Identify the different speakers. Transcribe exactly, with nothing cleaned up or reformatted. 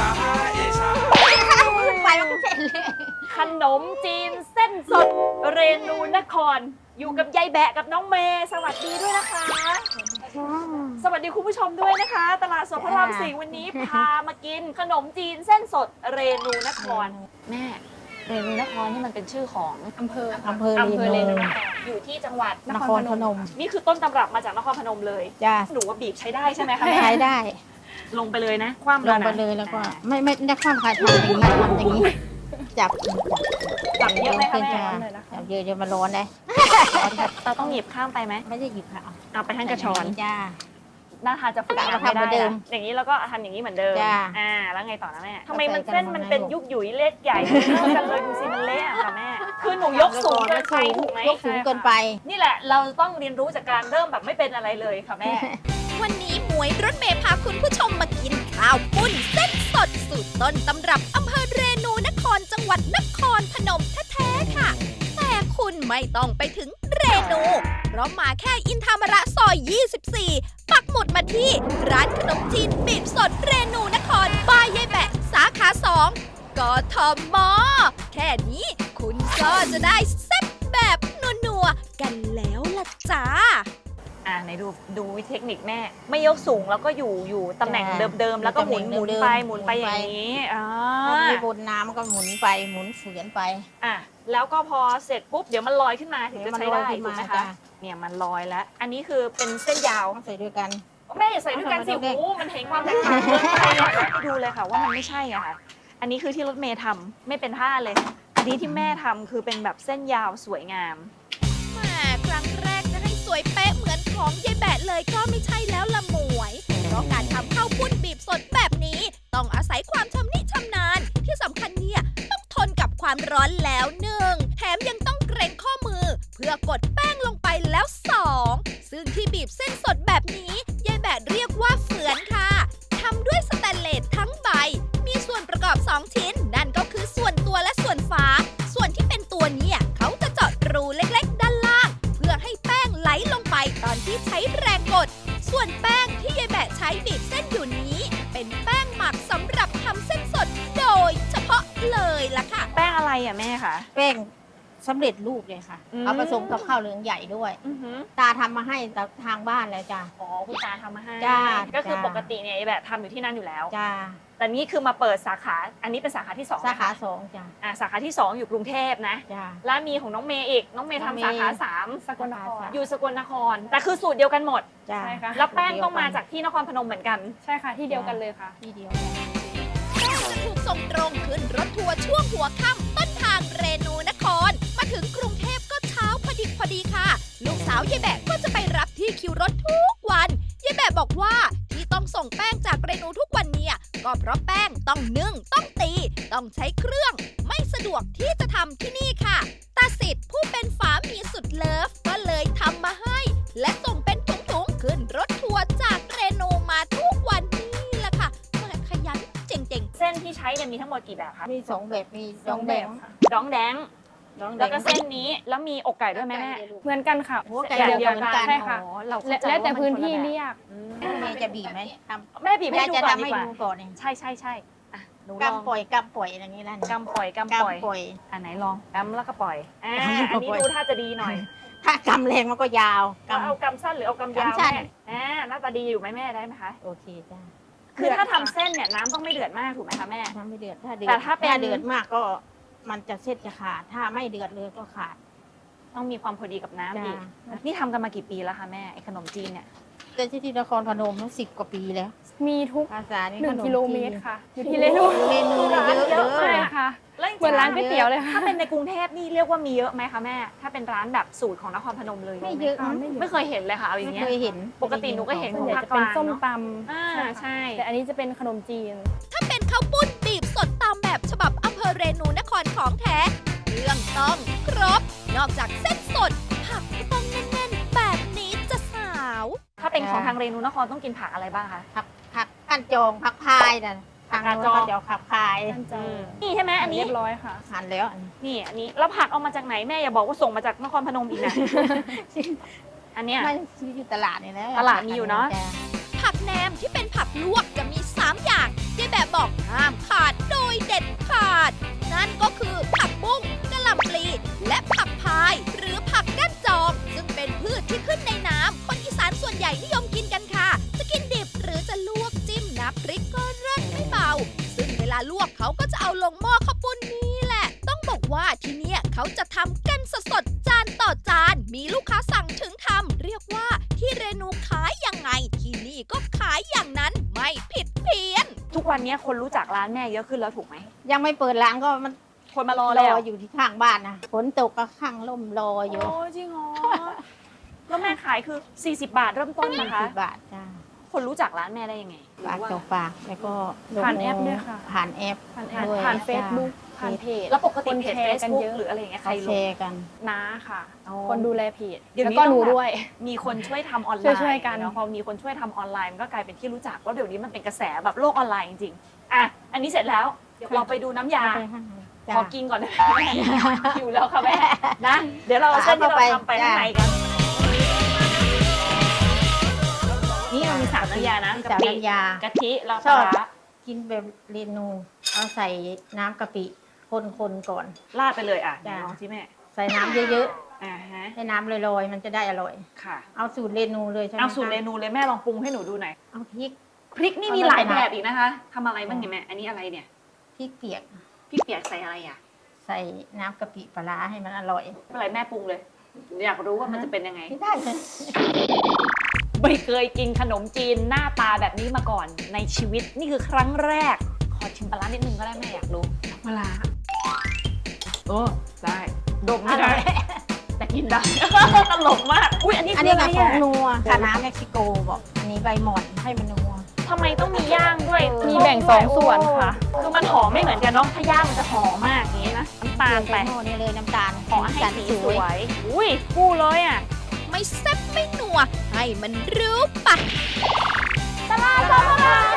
Speaker 1: าเอชา
Speaker 2: ไปมันก็เสร็จเลย
Speaker 3: ขนมจีนเส้นสดเรนูนคร อยู่กับยายแบะกับน้องเมย์สวัสดีด้วยนะคะ สวัสดีคุณผู้ชมด้วยนะคะ ตลาดสดพระรามสี่วันนี้พามากินขนมจีนเส้นสดเรนูนครแม่เรนูนครนี่มันเป็นชื่อของอำเภอ
Speaker 2: อำเภอ
Speaker 3: อำเภอเร
Speaker 2: เรนู
Speaker 3: นูนครอยู่ที่จังหวัด
Speaker 2: นครพนม
Speaker 3: นี่คือต้นตำรับมาจากนครพนมเลย
Speaker 2: จ้า
Speaker 3: หนูว่าบีบใช้ได้ใช่ไหมคะแม่
Speaker 2: ใช้ได้
Speaker 3: ลงไปเลยนะคว่ำ
Speaker 2: ล
Speaker 3: แล้ว
Speaker 2: ง
Speaker 3: นะ
Speaker 2: ไปเลยแล้วก็ไม่ไม่ได้ความคายทำอย่างนี้ทำอย่างนี้ จับจับ
Speaker 3: จับเยอะไหมคะแม่
Speaker 2: จับเยอะจะมาร้อนเลย
Speaker 3: เราต้องหยิบข้ามไปไหม
Speaker 2: ไม่ได้หยิบค่ะ
Speaker 3: เอาไปทั้งกระชอน
Speaker 2: จ้า
Speaker 3: หน้าทานจะฝึก
Speaker 2: เอา
Speaker 3: ทำ
Speaker 2: ทำเหมื
Speaker 3: ไม่
Speaker 2: อน
Speaker 3: ได้
Speaker 2: เดิม
Speaker 3: นะอย่างนี้แล้วก็ทำอย่างนี้เหมือนเดิม
Speaker 2: จ้า
Speaker 3: อ่าแล้วไงต่อนะแม่ทำไม
Speaker 2: เอาใส่
Speaker 3: มันเส้น
Speaker 2: กระมัง
Speaker 3: มันเป็น
Speaker 2: ให้ลูก
Speaker 3: ยุกหยุยเล็กใหญ่ไม่เท่ากันเลยดูสิมันเละอะค่ะแม่คือหนูยกสูงเกินไปถูกไหม
Speaker 2: ยกสูงเกินไป
Speaker 3: นี่แหละเราต้องเรียนรู้จากการเริ่มแบบไม่เป็นอะไรเลยค่ะแม่
Speaker 4: วันนี้หมวยรถเมย์พาคุณผู้ชมมากินข้าวปุ้นเส้นสดสูตรต้นตำรับอำเภอเรนูนครจังหวัดนครพนมแท้ๆค่ะ แต่คุณไม่ต้องไปถึงเรนู เพราะมาแค่อินทามระซอย ยี่สิบสี่ ปักหมุดมาที่ร้านขนมจีนบีบสดเรนูนครบ้านยายแบะสาขาสองกทม แค่นี้คุณก็จะได้แซ่บแบบนัวๆกันแล้วล่ะจ้า
Speaker 3: อ่าไหนดูดูเทคนิคแม่ ไม่ยกสูงแล้วก็อยู่อยู่ตำแหน่ง
Speaker 2: จ้า
Speaker 3: เดิมๆแล้วก็หมุน
Speaker 2: ตำ
Speaker 3: ห
Speaker 2: แหน่
Speaker 3: มุ
Speaker 2: ง
Speaker 3: น
Speaker 2: เดิมๆ
Speaker 3: ไปหมุนไป
Speaker 2: หมุน
Speaker 3: อ
Speaker 2: ไป
Speaker 3: ย่างนี้อ่า
Speaker 2: พอมีบนน้ำก็หมุนไปหมุนเฝือนไป
Speaker 3: อ่ะแล้วก็พอเสร็จปุ๊บเดี๋ยวมันลอยขึ้นมาถึงจะใช้ได้
Speaker 2: เดี๋ยวมันลอยขึ้น
Speaker 3: ถูก
Speaker 2: มา
Speaker 3: ไหม
Speaker 2: จ้ะ
Speaker 3: คะเนี่ยมันลอยแล้ว อันนี้คือเป็นเส้นยาว
Speaker 2: ต้องใส่ด้วยกัน
Speaker 3: แม่อย่าใส่ด้วยกันสิ
Speaker 2: เอาใส่ด้วยกัน
Speaker 3: โอ้มันเห็นความแตกต่างเกินไปหน่อยดูเลยค่ะว่ามันไม่ใช่อะค่ะอันนี้คือที่รถเมย์ทำไม่เป็นท่าเลย อันนี้ที่แม่ทำคือเป็นแบบเส้นยาวสวยงาม
Speaker 4: แหมครั้งแรกจะให้สวยเป๊ะเหมือนของยายแบะเลยก็ไม่ใช่แล้วละหมวย เพราะการทำข้าวปุ้นบีบสดแบบนี้ ต้องอาศัยความชำนิชำนาญ ที่สำคัญเนี่ยต้องทนกับความร้อนแล้วหนึ่งแถมยังต้องเกรงข้อมือ เพื่อกดแป้งลงไปแล้วสองซึ่งที่บีบเส้นสดแบบนี้ยายแบะเรียกว่าเฝือนค่ะทำด้วยสแตนเลสทั้งใบ มีส่วนประกอบสองชิ้น นั่นก็คือส่วนตัวและส่วนฝา ส่วนที่เป็นตัวเนี่ยเขาจะเจาะรูเล็กๆ ด้านล่าง เพื่อให้แป้งไหลลงไปตอนที่ใช้แรงกด ส่วนแป้งที่ยายแบะใช้บีบเส้นอยู่นี้ เป็นแป้งหมักสำหรับทำเส้นสดโดยเฉพาะเลยล่ะค่ะ
Speaker 3: แป้งอะไรอ่ะแม่คะ
Speaker 2: แป้งสำเร็จรูปเลยค่ะ
Speaker 3: อืม
Speaker 2: เอาผสมกับข้าวเหลืองใหญ่ด้วย
Speaker 3: อือหือ
Speaker 2: ตาทำมาให้จากทางบ้านแล้วจ้า
Speaker 3: อ๋อคุณตาทำมาให้
Speaker 2: จ้า
Speaker 3: ก็คือ
Speaker 2: จ้า
Speaker 3: ปกติเนี่ยไอ้แบบทำอยู่ที่นั่นอยู่แล้ว
Speaker 2: จ้า
Speaker 3: แต่นี่คือมาเปิดสาขา อันนี้เป็นสาขาที่สอง
Speaker 2: สาขา
Speaker 3: นะคะ
Speaker 2: สองจ้า
Speaker 3: อ่าสาขาที่สองอยู่กรุงเทพนะ
Speaker 2: จ้า
Speaker 3: แล้วมีของน้องเมย์อีก น้องเมย์
Speaker 2: น้องเมย์
Speaker 3: ทำสาขาสาม
Speaker 2: สกลนคร
Speaker 3: อยู่สกลนคร แต่คือสูตรเดียวกันหมด
Speaker 2: จ้า
Speaker 5: ใช่ค่ะ
Speaker 3: แล้วแป้งต้องมาจากที่นครพนมเหมือนกัน
Speaker 5: ใช่ค่ะที่เดียวกันเลยค่ะ
Speaker 2: ที่เดียวกัน
Speaker 4: แป้งจะถูกส่งตรงขึ้นรถทัวร์ช่วงหัวค่ำต้นทางเรนูนคร มาถึงกรุงเทพก็เช้าพอดีพอดีค่ะ ลูกสาวยายแบะก็จะไปรับที่คิวรถทุกวันยายแบะบอกว่าที่ต้องส่งแป้งจากเรนูทุกวันเนี่ยก็เพราะแป้งต้องนึ่งต้องตี ต้องใช้เครื่อง ไม่สะดวกที่จะทำที่นี่ค่ะตาสิทธิ์ผู้เป็นฝามีสุดเลิฟก็เลยทำมาให้ และส่งเป็นถุงๆขึ้นรถทัวร์จากเรนูมาทุกวันนี่แหละค่ะแม่ขยันเจ๋งๆ
Speaker 3: เส้นที่ใช้เนี่ยมีทั้งหมดกี่แบบคะ
Speaker 2: มีสองแบบมีดองแดง
Speaker 3: ดองแดง
Speaker 2: ดองแด
Speaker 3: แล้ว
Speaker 2: ง
Speaker 3: ก็เส้นนี้ แล้วมีอกไก่ด้วยไหมแม่
Speaker 5: เหมือนกันค่ะ
Speaker 2: หัวไก่
Speaker 3: แบบ
Speaker 2: เดี
Speaker 3: เดี
Speaker 2: ย
Speaker 3: ยว ว
Speaker 2: กั
Speaker 3: กัน น
Speaker 2: ใช่
Speaker 5: ใช่
Speaker 2: ค่ะ
Speaker 5: ค่ะ
Speaker 3: อ๋อเรา
Speaker 5: และ
Speaker 3: เข้าใจ
Speaker 5: แล้วแต่
Speaker 3: ว่ามั
Speaker 5: พื้น
Speaker 3: คละ
Speaker 5: ที่
Speaker 3: แบบ
Speaker 5: เรียก
Speaker 3: อืม
Speaker 2: แม่จะบีบไหมทำ
Speaker 3: แม่บีบให้
Speaker 2: แม่
Speaker 3: ดู
Speaker 2: จะ
Speaker 3: ก่อน
Speaker 2: ทำ
Speaker 3: ดี
Speaker 2: ให้
Speaker 3: กว่า
Speaker 2: ดูก่อนเอง
Speaker 3: ใช่ใช่ใช่อ่ะหนูลอง
Speaker 2: กำปล่อยกำปล่อยอย่างนี้นั่น
Speaker 3: กำปล่อยกำปล่อย
Speaker 2: กำปล่อย
Speaker 3: อ่ะไหนลองกำแล้วก็ปล่อยอ่าอัน
Speaker 2: กำ
Speaker 3: นี้
Speaker 2: ปล่อย
Speaker 3: ดูท่าจะดีหน่อย
Speaker 2: ถ้ากำแรงมันก็ยาว
Speaker 3: แล้วเอา
Speaker 2: กำ
Speaker 3: กำสั้นหรือเอากำยาว
Speaker 2: กำสั้น
Speaker 3: แม่อ่าหน้าตาดีอยู่ไหมแม่ได้ไหมคะ
Speaker 2: โอเคจ้า
Speaker 3: คือถ้าทำเส้นเนี่ยน้ำต้องไม่เดือดมากถูกไหมคะแม่
Speaker 2: ถ้าไม่เดือดถ้าเดือด
Speaker 3: แต่ถ้าเป็น
Speaker 2: เดือดมากก็มันจะเส้นจะขาด ถ้าไม่เดือดเลยก็ขาด
Speaker 3: ต้องมีความพอดีกับน้ำอีก
Speaker 2: จ้า
Speaker 3: นี่ทำกันมากี่ปีแล้วคะแม่ไอ้ขนมจีนเนี่ย
Speaker 2: เกิดที่นครพนมตั้งสิบกว่าปีแล้ว
Speaker 5: มีทุก
Speaker 2: ภาษานี่
Speaker 5: หนึ่ง
Speaker 2: ขม
Speaker 5: กิโล
Speaker 2: จีน
Speaker 5: เมตรค่ะ อยู่ที่เรนู
Speaker 2: เมนูเยอะเยอะ
Speaker 5: ใช่ค่ะ
Speaker 3: แล้วจริงๆ
Speaker 5: เหมือนร้านก๋วยเตี๋ยวเลยค่ะ
Speaker 3: ถ้าเป็นในกรุงเทพนี่เรียกว่ามีเยอะไหมคะแม่ ถ้าเป็นร้านแบบสูตรของนครพนมเลย
Speaker 2: ไม่เยอะ
Speaker 5: อ่า
Speaker 2: นะ
Speaker 5: ไม่เยอะ
Speaker 3: ไม่เคยเห็นเลยค่ะเอาอย่าง
Speaker 2: ไม่
Speaker 3: เงี้ย
Speaker 2: เคยเห็น
Speaker 3: ปกติหนูก็เห็น
Speaker 5: ส่วนใหญ่จะเป็นส้มตำ
Speaker 3: อ่าใช่
Speaker 5: แต่อันนี้จะเป็นขนมจีน
Speaker 4: ถ้าเป็นข้าวปุ้นบีบสดตามแบบฉบับอำเภอเรนูนครของแท้เครื่องต้องครบ นอกจากเส้นสด ผักก็ต้องแน่นๆ แบบนี้จะสาว
Speaker 3: ถ้าเป็นของทางเรนูนครต้องกินผักอะไรบ้างคะ
Speaker 2: ผักผักกันจองผักพายน่ะทาง
Speaker 3: ผัก
Speaker 2: โน้
Speaker 3: กาดจอง
Speaker 2: นเขาจะเอาผักพาย
Speaker 5: ท่านจะ
Speaker 3: นี่ใช่ไหมอันนี้
Speaker 5: เรียบร้อยค่ะ
Speaker 2: หั่นแล้วอันนี้
Speaker 3: นี่อันนี้แล้วผักเอามาจากไหนแม่อย่าบอกว่าส่งมาจากนครพนมอีกนะ อันเนี้ย
Speaker 2: ไม่ซื้ออยู่ตลาดนี่แหละ
Speaker 3: ตลาดมีอยู่เนอะ
Speaker 2: จ้
Speaker 4: ผักแหนมที่เป็นผักลวกจะมี สาม อย่างยายแบบบอกห้ามขาดโดยเด็ดขาด นั่นก็คือผักบุ้งกะหล่ำปลีและผักพาย หรือผักก้านจอง ซึ่งเป็นพืชที่ขึ้นในน้ำคนอีสานส่วนใหญ่นิยมกินกันค่ะ จะกินดิบหรือจะลวกจิ้มน้ำพริกก็เลิศไม่เบา ซึ่งเวลาลวกเขาก็จะเอาลงหม้อข้าวปุ้นนี่แหละ ต้องบอกว่าที่เนี่ยเขาจะทำกันสดๆจานต่อจาน มีลูกค้าสั่งถึงทำเรียกว่าที่เรนูขายยังไง ที่นี่ก็ขายอย่างนั้นไม่ผิดเพี้ยน
Speaker 3: ทุกวันนี้คนรู้จักร้านแม่เยอะขึ้นแล้วถูกไหม
Speaker 2: ยังไม่เปิดร้านก็มัน
Speaker 3: คนมารอ
Speaker 2: ร
Speaker 3: แล้ว
Speaker 2: ออยู่ที่ข้างบ้านนะฝนตกก็ข้างล่มรออยู่
Speaker 3: โอ้จริงเหรอ แล้วแม่ขายคือ สี่สิบบาทเริ่มต้นนะคะ
Speaker 2: สิบบาทจ้า
Speaker 3: คนรู้จักร้านแม่ได้ยังไง
Speaker 2: ปากต่อปากแล้วก็ลง
Speaker 5: ผ่านแอปด้วยค่ะ
Speaker 2: ผ่านแอป
Speaker 5: ผ่านแอป
Speaker 2: ด้วย
Speaker 5: ผ่าน
Speaker 2: จ้ะ
Speaker 5: เฟซบุ๊กผ่านเพจ
Speaker 3: แล้วปกติ
Speaker 5: คน
Speaker 3: เพจ
Speaker 5: แชร์กัน
Speaker 3: Facebook
Speaker 5: เยอะ
Speaker 3: หรืออะไรอย่างเงี้ยใคร
Speaker 2: เขา
Speaker 3: ล
Speaker 2: แช
Speaker 3: ง
Speaker 2: ร์กัน
Speaker 5: น้าค่ะ
Speaker 3: อ๋อ
Speaker 5: คนดูแลเพจ
Speaker 3: เดี๋ยว
Speaker 5: แล้ว
Speaker 3: นี้
Speaker 5: ก็
Speaker 3: ต้อง
Speaker 5: หนู
Speaker 3: แบบ
Speaker 5: ด้วย
Speaker 3: มีคนช่วยทำออนไลน์
Speaker 5: ช่วยๆกัน
Speaker 3: เนาะพอมีคนช่วยทำออนไลน์มันก็กลายเป็นที่รู้จักแล้วเดี๋ยวนี้มันเป็นกระแสแบบโลกออนไลน์จริงๆอ่ะอันนี้เสร็จแล้วเดี๋ยวเราไปดูน้ำยา
Speaker 2: จ้ะ
Speaker 3: ขอกินก่อนนะแม่หิวแล้วค่ะแม่นะ เดี๋ยวเราเอาเส้นที่เราทำไปข้างในกัน นี่เรามีสามน้ำยานะ
Speaker 2: มี
Speaker 3: กะ
Speaker 2: สาม
Speaker 3: ปิ
Speaker 2: น้ำยาก
Speaker 3: ะทิแล้ว
Speaker 2: ช
Speaker 3: ป
Speaker 2: อ
Speaker 3: ลา
Speaker 2: บ
Speaker 3: ร้า
Speaker 2: กินแบบเรนูเอาใส่น้ำกะปิคนๆก่อน
Speaker 3: ราดไปเลยอ่ะ
Speaker 2: จ้ะ
Speaker 3: ลองสิแม่
Speaker 2: ใส่น้ำเยอะ
Speaker 3: อ่าฮะ
Speaker 2: ๆให้น้ำลอยๆมันจะได้อร่อย
Speaker 3: ค่ะ
Speaker 2: เอาสูตรเรนูเลยใช่ไหม
Speaker 3: เอาสูตร
Speaker 2: คะ
Speaker 3: เมนูเลยแม่ลองปรุงให้หนูดูหน่อย
Speaker 2: เอาพริก
Speaker 3: พริกนี่
Speaker 2: เอา
Speaker 3: มี
Speaker 2: มา
Speaker 3: หลาย
Speaker 2: ใส่
Speaker 3: แบ
Speaker 2: น้ำ
Speaker 3: บอีกนะคะทำอะไรบ้างเนี่ยแม่อันนี้อะไรเนี่ย
Speaker 2: พริกเปียก
Speaker 3: พริกเปียกใส่อะไรอ่ะ
Speaker 2: ใส่น้ำกะปิปลาร้าให้มันอร่อย
Speaker 3: ไม่เป็นไรแม่ปรุงเลยอยากรู้ว่ามันจะเป็นยังไง
Speaker 2: ไม่ได้เลย
Speaker 3: ไม่เคยกินขนมจีนหน้าตาแบบนี้มาก่อนในชีวิตนี่คือครั้งแรก ขอชิมปลาร้านิดนึงก็ได้แม่อยากรู้ปลาร้าโอ้ได้ดมไม่ได้แต่กินได้ ตลกมากอุ้ยอันนี้
Speaker 2: อัน
Speaker 3: คือ
Speaker 2: นี้
Speaker 3: อะไร
Speaker 2: ก็ของ
Speaker 3: อ่ะ
Speaker 2: นัวคาน้าเม็กซิโกบอก อันนี้ใบหมอนให้มันนัว
Speaker 3: ทำไมต้องมีย่างด้วย
Speaker 5: มีแบ่งสองส่วนค่ะ
Speaker 3: คือมันหอมไม่เหมือนกันเนาะถ้าย่างมันจะหอมมากอย่างนี้นะน้ำตาลไป
Speaker 2: โน่นี่เลยน้ำตาล
Speaker 3: ขอให้
Speaker 2: จัด
Speaker 3: สี
Speaker 2: ส
Speaker 3: ส
Speaker 2: วย
Speaker 3: วยอุ้ยคู่เลยอ่ะ
Speaker 4: ไม่แซ่บไม่นัว ให้มันรู้ปะ
Speaker 3: ตลาดสดพระราม